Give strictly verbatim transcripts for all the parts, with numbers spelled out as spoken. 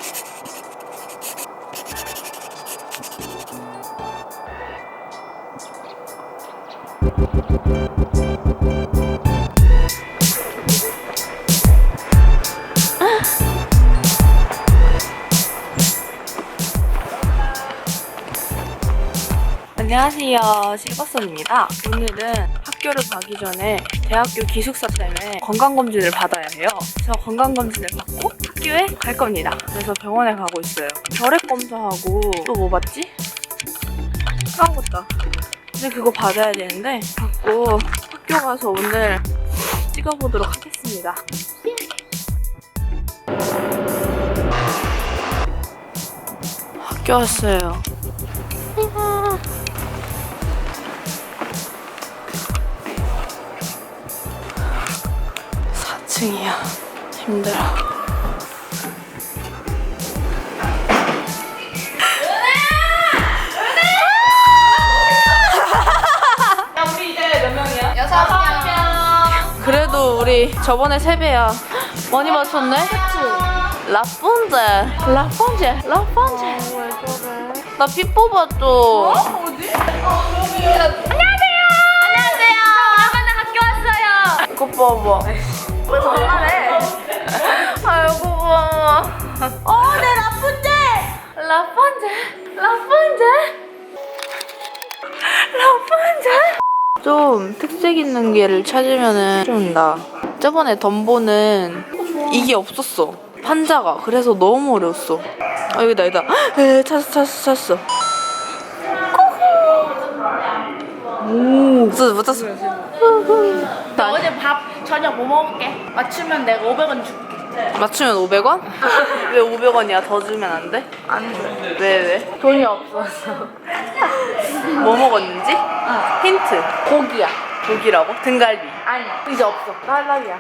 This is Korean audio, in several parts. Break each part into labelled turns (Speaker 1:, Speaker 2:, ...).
Speaker 1: 안녕하세요, 실버선입니다. 오늘은 학교를 가기 전에 대학교 기숙사 때문에 건강검진을 받아야 해요. 그래서 건강검진을 받고 학교에 갈 겁니다. 그래서 병원에 가고 있어요. 혈액 검사하고 또 뭐 받지? 까먹었다. 근데 그거 받아야 되는데 받고 학교 가서 오늘 찍어보도록 하겠습니다. 학교 왔어요. 사 층이야. 힘들어.
Speaker 2: 야, 우리 이제 몇 명이야? 여섯 명.
Speaker 1: 그래도 우리 저번에 세 배야. 많이 맞췄네? 라푼젤. 라푼젤. 라푼젤. 왜 저래? 나 피 뽑았죠.
Speaker 2: 어? 어디? 안녕하세요. 안녕하세요. 오랜만에 학교 왔어요.
Speaker 1: 이거 봐봐.
Speaker 2: 왜 전화해?
Speaker 1: 아이고 고마워.
Speaker 2: 어, 내 라푼젤.
Speaker 1: 라푼젤. 라푼젤. 라푼젤. 좀 특색 있는 게를 찾으면은 좀 나. 저번에 덤보는 이게 없었어. 판자가. 그래서 너무 어려웠어. 아 여기다 여기다. 에 찾았어 찾았어 찾았어. 오. 맞았어 맞았어.
Speaker 2: 나 어제 밥 저녁 뭐 먹을게? 맞추면 내가 오백 원 줄게.
Speaker 1: 맞추면 오백 원? 왜 오백 원이야? 더 주면 안 돼?
Speaker 2: 안 돼.
Speaker 1: 왜 왜?
Speaker 2: 돈이 없어서.
Speaker 1: 뭐 먹었는지? 힌트.
Speaker 2: 고기야.
Speaker 1: 고기라고? 등갈비.
Speaker 2: 아니, 이제 없어. 탈락이야.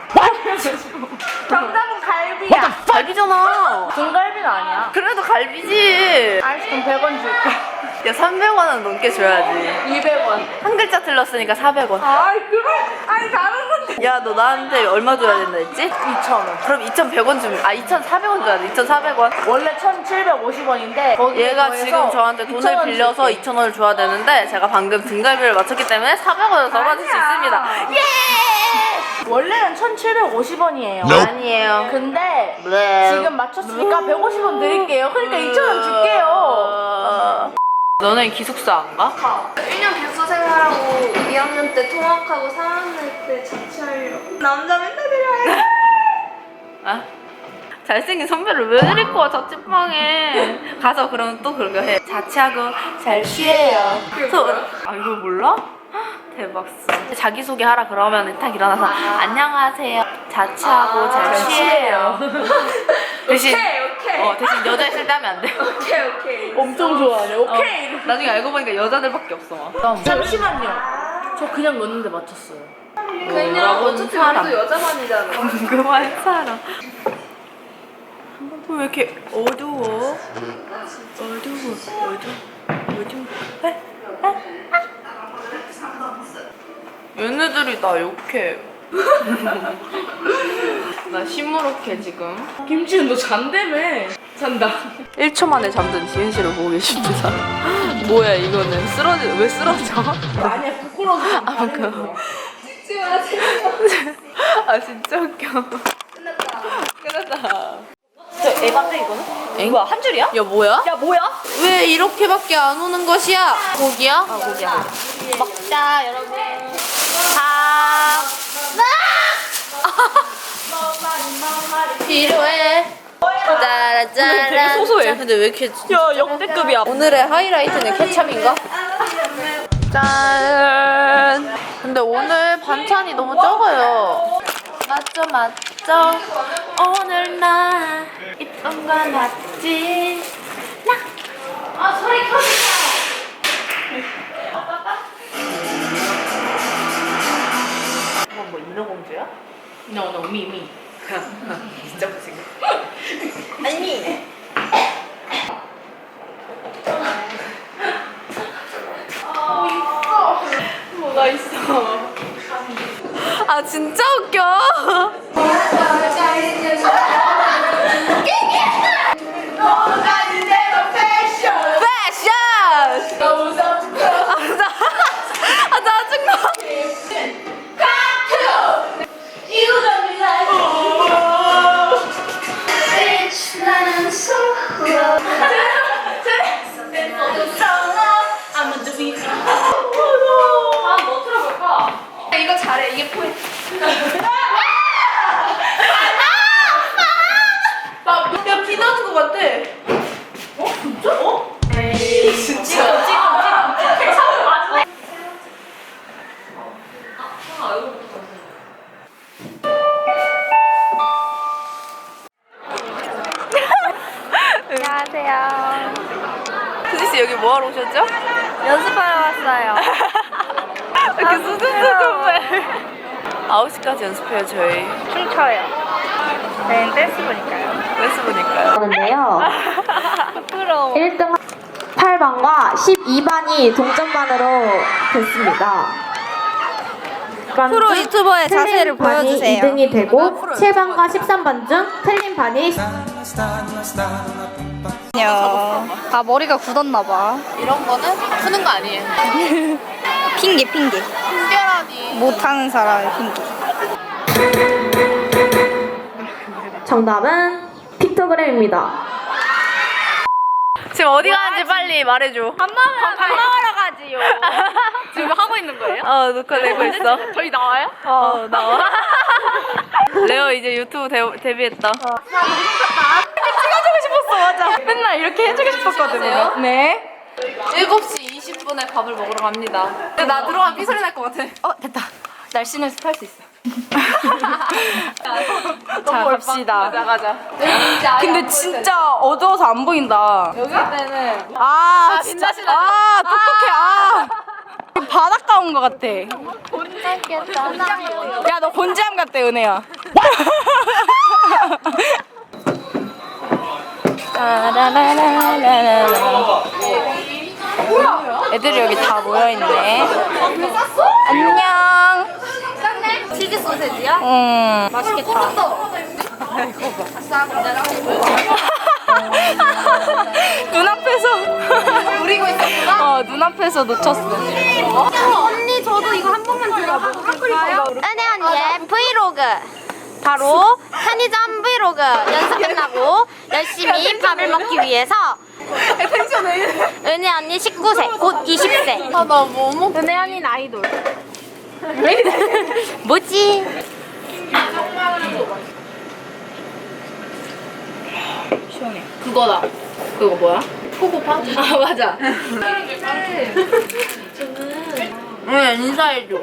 Speaker 2: 정답은 갈비야.
Speaker 1: 갈비잖아.
Speaker 2: 등갈비는 아니야.
Speaker 1: 그래도 갈비지.
Speaker 2: 알았어, 그럼 백 원 줄게.
Speaker 1: 야 삼백 원은 넘게 줘야지.
Speaker 2: 이백 원.
Speaker 1: 한 글자 틀렸으니까 사백 원.
Speaker 2: 아이, 그럼. 아니, 다른 건데.
Speaker 1: 야 너 나한테 얼마 줘야 된다 했지?
Speaker 2: 이천 원.
Speaker 1: 그럼 이천백 원 주면 아 이천사백 원 줘야 돼. 이천사백 원.
Speaker 2: 원래 천칠백오십 원인데
Speaker 1: 얘가 지금 저한테 돈을 빌려서 이천 원을 줘야 되는데 제가 방금 등갈비를 맞췄기 때문에 사백 원을 더 받을 수 있습니다. 예!
Speaker 2: 원래는 천칠백오십 원이에요.
Speaker 1: 아니에요.
Speaker 2: 근데
Speaker 1: 네.
Speaker 2: 지금 맞췄으니까 백오십 원 드릴게요. 그러니까 이천 원 줄게요.
Speaker 1: 어... 너네 기숙사 안 가?
Speaker 3: 일 년 기숙사 생활하고 이 학년 때 통학하고 삼 학년 때 자취하려고. 남자 맨날 데려와요.
Speaker 1: 아? 잘생긴 선배를 왜 데리고 와 자취방에 가서 그러면 또 그렇게 해. 자취하고 잘 쉬어요. 저, 아 이걸 몰라? 대박어. 자기소개 하라 그러면 딱 일어나서 안녕하세요 자취하고
Speaker 3: 아,
Speaker 1: 잘 쉬어요. 대신
Speaker 3: 오케이 오케이.
Speaker 1: 어 대신 여자 있을 때 하면 안 돼.
Speaker 3: 오케이 오케이.
Speaker 2: 엄청 좋아하네. 오케이.
Speaker 1: 어, 나중에 알고 보니까 여자들밖에 없어 막.
Speaker 2: 잠시만요. 저 그냥 넣었는데 맞췄어요.
Speaker 3: 그냥
Speaker 1: 뭐라고는
Speaker 3: 어차피
Speaker 1: 사람.
Speaker 3: 우리도 여자만이잖아.
Speaker 1: 궁금한 사람. 왜 이렇게 어두워? 어두워, 어두워, 어두워. 에? 에? 얘네들이 나 욕해. 나 시무룩해 지금.
Speaker 2: 김치는 너 잔다며. 잔다.
Speaker 1: 일 초 만에 잠든 지은 씨를 보고 계십니다. 뭐야 이거는 쓰러지 왜 쓰러져?
Speaker 2: 아니야, 부끄러워서.
Speaker 1: 아 그.
Speaker 3: 찍지 마세요.
Speaker 1: 아 진짜 웃겨.
Speaker 3: 끝났다.
Speaker 1: 끝났다.
Speaker 2: 저 에반데 이거는?
Speaker 1: 엥?
Speaker 2: 뭐야, 한 줄이야?
Speaker 1: 야 뭐야?
Speaker 2: 야, 뭐야?
Speaker 1: 왜 이렇게밖에 안 오는 것이야? 고기야?
Speaker 2: 아, 고기야. 먹자, 여러분. 밥.
Speaker 1: 필요해. 짜라짜라.
Speaker 2: 되게 소소해.
Speaker 1: 근데 왜 이렇게
Speaker 2: 야, 역대급이야.
Speaker 1: 오늘의 하이라이트는 케찹인가? 짠. 근데 오늘 반찬이 너무 적어요. 맞죠 맞죠. 오늘 나 이쁜 거 맞지? 나. 아 소리 켜주세요.
Speaker 2: 뭐, 뭐, 인어공주야? No, no, me, me.
Speaker 1: 진짜 무슨
Speaker 2: 아니.
Speaker 1: 뭐가 있어? 아 진짜 웃겨. 돼. 어? 진짜? 어? 에이, 진짜. 지금, 지금, 지금.
Speaker 3: 안녕하세요.
Speaker 1: 수지씨 여기 뭐하러 오셨죠?
Speaker 3: 연습하러 왔어요.
Speaker 1: 이렇게 수줍수줍해. 아홉 시까지 연습해요, 저희.
Speaker 3: 춤춰요. 저희는 댄스부니까요.
Speaker 1: 댄스부니까요.
Speaker 4: 하는데요.
Speaker 3: 부끄러워.
Speaker 4: 일 등 팔 반과 십이 반이 동점반으로 됐습니다.
Speaker 3: 프로 유튜버의 자세를 보여주세요.
Speaker 4: 이 등이 되고 칠 반과 십삼 반 중 틀린 반이
Speaker 3: 아 머리가 굳었나봐.
Speaker 1: 이런 거는 푸는 거 아니에요.
Speaker 3: 핑계 핑계.
Speaker 1: 특별하니.
Speaker 3: 못하는 사람의 핑계.
Speaker 4: 정답은 픽토그램입니다.
Speaker 1: 지금 어디 가는지 빨리 말해줘.
Speaker 3: 밥 먹으러, 밥 먹으러 가지요.
Speaker 1: 지금 하고 있는 거예요? 어, 녹화 내고 있어. 저희 나와요? 어, 나와. 레오 이제 유튜브 데, 데뷔했다. 어. 찍어주고 싶었어, 맞아. 맨날 이렇게 해주고 싶었거든요. 네. 일곱 시 이십 분에 밥을 먹으러 갑니다. 근데 나 들어가면 삐소리 날 것 같아. 어, 됐다. 날씬을 습할 수 있어.
Speaker 2: 자, 갑시다.
Speaker 1: 가자, 가자.
Speaker 2: 근데 진짜 어두워서 안 보인다.
Speaker 1: 여기 때는
Speaker 2: 아,
Speaker 1: 아,
Speaker 2: 진짜.
Speaker 1: 빛나시다.
Speaker 2: 아, 똑똑해. 아. 바닷가 온 것 같아. 야, 너 곤지암 같대, 은혜야. 애들이 여기 다 모여있네. 안녕.
Speaker 3: 치즈 소세지요?
Speaker 2: 응.
Speaker 3: 맛있겠다.
Speaker 2: 눈앞에서 우리고 있었구나. 어, 눈앞에서 놓쳤어.
Speaker 3: 언니 저도 이거 한 번만 들어볼까요? 은혜 언니의 브이로그. 바로 편의점 브이로그 연습 끝나고 열심히 밥을 먹기 위해서 은혜 언니 십구 세, 곧 이십 세.
Speaker 1: 아, 나 뭐 먹...
Speaker 3: 은혜 언니는 아이돌. 뭐지?
Speaker 2: 시원해.
Speaker 1: 그거다. 그거 뭐야? 포고파? 아, 맞아. 응, 인사해줘.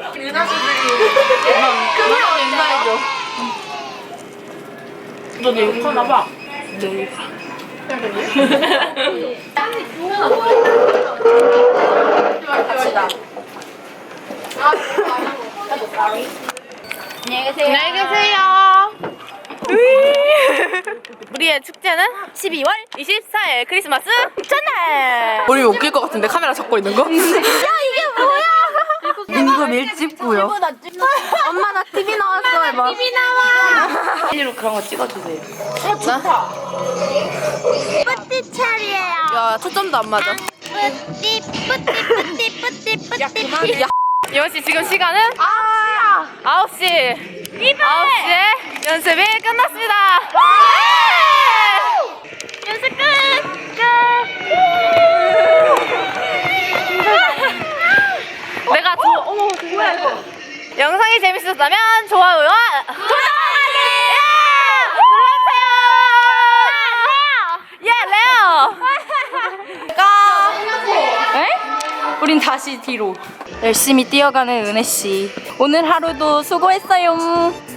Speaker 1: 그만 인사해줘. 너 내 욕하나 봐. 네.
Speaker 3: 안녕히 계세요.
Speaker 1: 안녕히 계세요. 우리의 축제는 십이월 이십사일 크리스마스 전날. 우리 웃길 것 같은데 카메라 잡고 있는 거?
Speaker 3: 야 이게 뭐야?
Speaker 2: 임금 일찍고요.
Speaker 3: 엄마 나 티비 나왔어 해봐. 티비 나와.
Speaker 1: 사진으로 그런 거 찍어주세요.
Speaker 3: 뿌띠 차리예요.
Speaker 1: 야, 초점도 안 맞아.
Speaker 3: 뿌띠 뿌띠 뿌띠 뿌띠 뿌띠.
Speaker 1: 이원 씨 지금 시간은
Speaker 3: 아
Speaker 1: 아홉 시. 아홉 시에 연습이 끝났습니다.
Speaker 3: 연습 끝.
Speaker 1: 내가 저 어머 뭐야 이거. 영상이 재밌었다면 좋아요와 구독하기 눌러주세요. 예, 레오.
Speaker 2: 에? 우린 다시 뒤로. 열심히 뛰어가는 은혜 씨. 오늘 하루도 수고했어요.